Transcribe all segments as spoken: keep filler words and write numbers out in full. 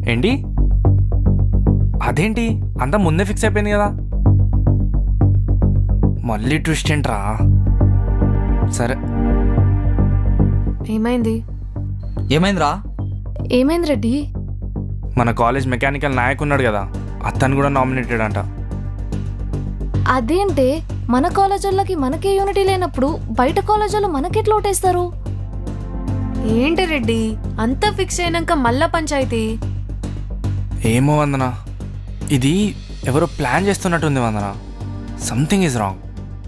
ఏంటి అదేంటి అంతా ముందే ఫిక్స్ అయిపోయింది కదా, మళ్ళీ ట్విస్ట్ ఏంట్రా? సరే ఏమైంది ఏమైందిరా? ఏమైంది రెడ్డి? మన కాలేజ్ మెకానికల్ నాయక్ ఉన్నాడు కదా, అతను కూడా నామినేటెడ్ అంట. అదేంటే మన కాలేజీలకి మనకే యూనిటీ లేనప్పుడు బయట కాలేజీలో మనకెట్లా ఓటేస్తారు? ఏంటి రెడ్డి అంతా ఫిక్స్ అయినాక మళ్ళా పంచాయతీ? ఏమో వందన, ఇది ఎవరో ప్లాన్ చేస్తున్నట్టుంది వందన. Something is wrong.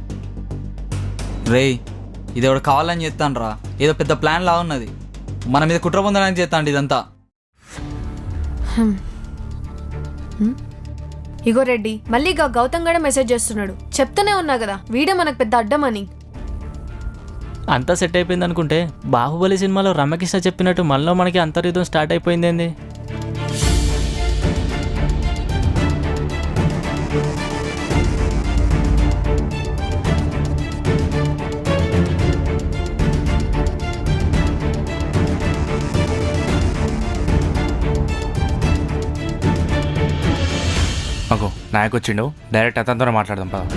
రేయ్ ఇది ఎవడు కావాలని చేస్తాను రా, ఏదో పెద్ద ప్లాన్ లా ఉన్నది. మన మీద కుట్ర పొందడానికి చేస్తాండి ఇదంతా. హ్మ్. హ్మ్? ఇగో రెడ్డి మళ్ళీ ఇక గౌతమ్ గడ మెసేజ్ చేస్తున్నాడు. చెప్తూనే ఉన్నా కదా వీడే మనకు పెద్ద అడ్డమని. అంతా సెట్ అయిపోయింది అనుకుంటే బాహుబలి సినిమాలో రమ్యకృష్ణ చెప్పినట్టు మళ్ళీ మనకి అంతర్యుద్ధం స్టార్ట్ అయిపోయింది ఏంది? అగో నాయక్ వచ్చిండు, డైరెక్ట్ అతనితో మాట్లాడదాం పద.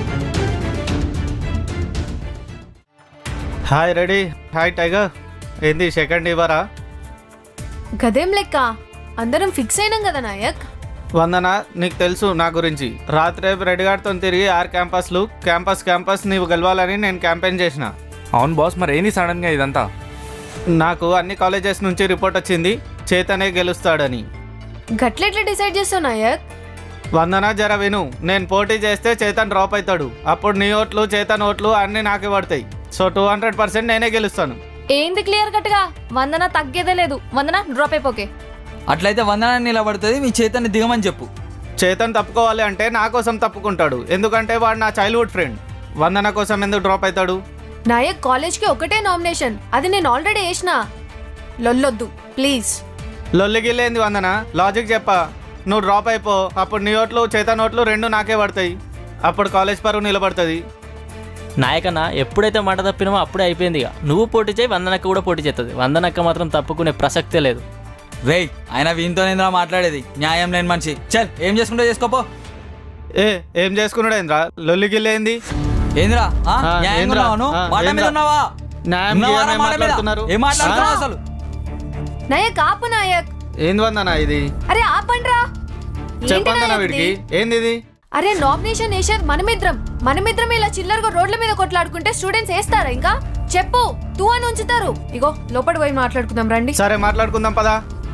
Hi ready. Hi tiger. ఏంది సెకండ్ ఇవ్వరా? గదేం లెక్క అందరం ఫిక్స్ అయినాం కదా నాయక్. వందన నీకు తెలుసు నా గురించి. రాత్రి రెడీ గారితో తిరిగి ఆరు క్యాంపస్లు క్యాంపస్ క్యాంపస్ నీవు గెలవాలని నేను క్యాంపెయిన్ చేసిన. అవును బాస్, మరి ఏంది సడన్గా ఇదంతా? నాకు అన్ని కాలేజెస్ నుంచి రిపోర్ట్ వచ్చింది చేతనే గెలుస్తాడని. గట్లెట్లా డిసైడ్ చేస్తావు నాయక్? వందన జర విను, నేను పోటీ చేస్తే చేతన్ డ్రాప్ అవుతాడు. అప్పుడు నీ ఓట్లు చేతన్ ఓట్లు అన్నీ నాకే పడతాయి. సో టూ హండ్రెడ్ పర్సెంట్ నేనే గెలుస్తాను. ఏంది క్లియర్ కట్గా? వందన తగ్గేదే లేదు. వందన డ్రాప్ అయిపోకే. అట్లయితే వందనాన్ని నిలబడుతుంది, మీ చేతాన్ని దిగమని చెప్పు. చేతన్ తప్పుకోవాలి అంటే నా కోసం తప్పుకుంటాడు, ఎందుకంటే వాడు నా చైల్డ్హుడ్ ఫ్రెండ్. వందన కోసం ఎందుకు డ్రాప్ అవుతాడు? నాయక్ కాలేజ్కి ఒకటే నామినేషన్, అది నేను ఆల్రెడీ వేసిన. లొల్లొద్దు ప్లీజ్. లొల్లిగిల్లేంది వందన, లాజిక్ చెప్పా. నువ్వు డ్రాప్ అయిపో, అప్పుడు నీ ఓట్లు చేతన్ ఓట్లు రెండు నాకే పడతాయి. అప్పుడు కాలేజ్ పరువు నిలబడుతుంది. నాయకన్న ఎప్పుడైతే మాట తప్పినామో అప్పుడే అయిపోయింది. ఇక నువ్వు పోటీ చేయి, వందనక్క కూడా పోటీ చేస్తుంది. వందనక్క మాత్రం తప్పుకునే ప్రసక్తే లేదు. రేయ్ ఆయన వీనితోనేంద్రా మాట్లాడేది, న్యాయం లేని మనిషి. చల్ ఏం చేసుకుంటా చేసుకోపో. ఏ ఏం చేసుకున్నాడేంద్రా? లొల్లిగిల్లేంది ఏంద్రా ఆ? ఆ, న్యాయంగా ఏంద్రా? ఉన్నావా నువ్వు? ఆ, మాట మీద ఏంద్రా? ఉన్నావా? న్యాయం ఉన్నావా గియాయం రా ఏం మాట మీద? మాట్లాడుతున్నారు? ఏం మాట్లాడుతున్నావు అసలు? నాయక్ ఆపు నాయక్. ఏంది వందన ఇది? అరే ఆపండ్రా. ఏంటి చెప్పందన నాయక్ వీడికి ఇది? ఏంది ఇది? అరే నామినేషన్ వేసేది మనమిద్రం. మనమిద్రం ఇలా చిల్లరగా రోడ్ల మీద కొట్లాడుకుంటే స్టూడెంట్స్ వేస్తారా? ఇంకా చెప్పు తూ అని ఉంచుతారు. ఇగో లోపలికి పోయి మాట్లాడుకుందాం రండి. సరే మాట్లాడుకుందాం పదా.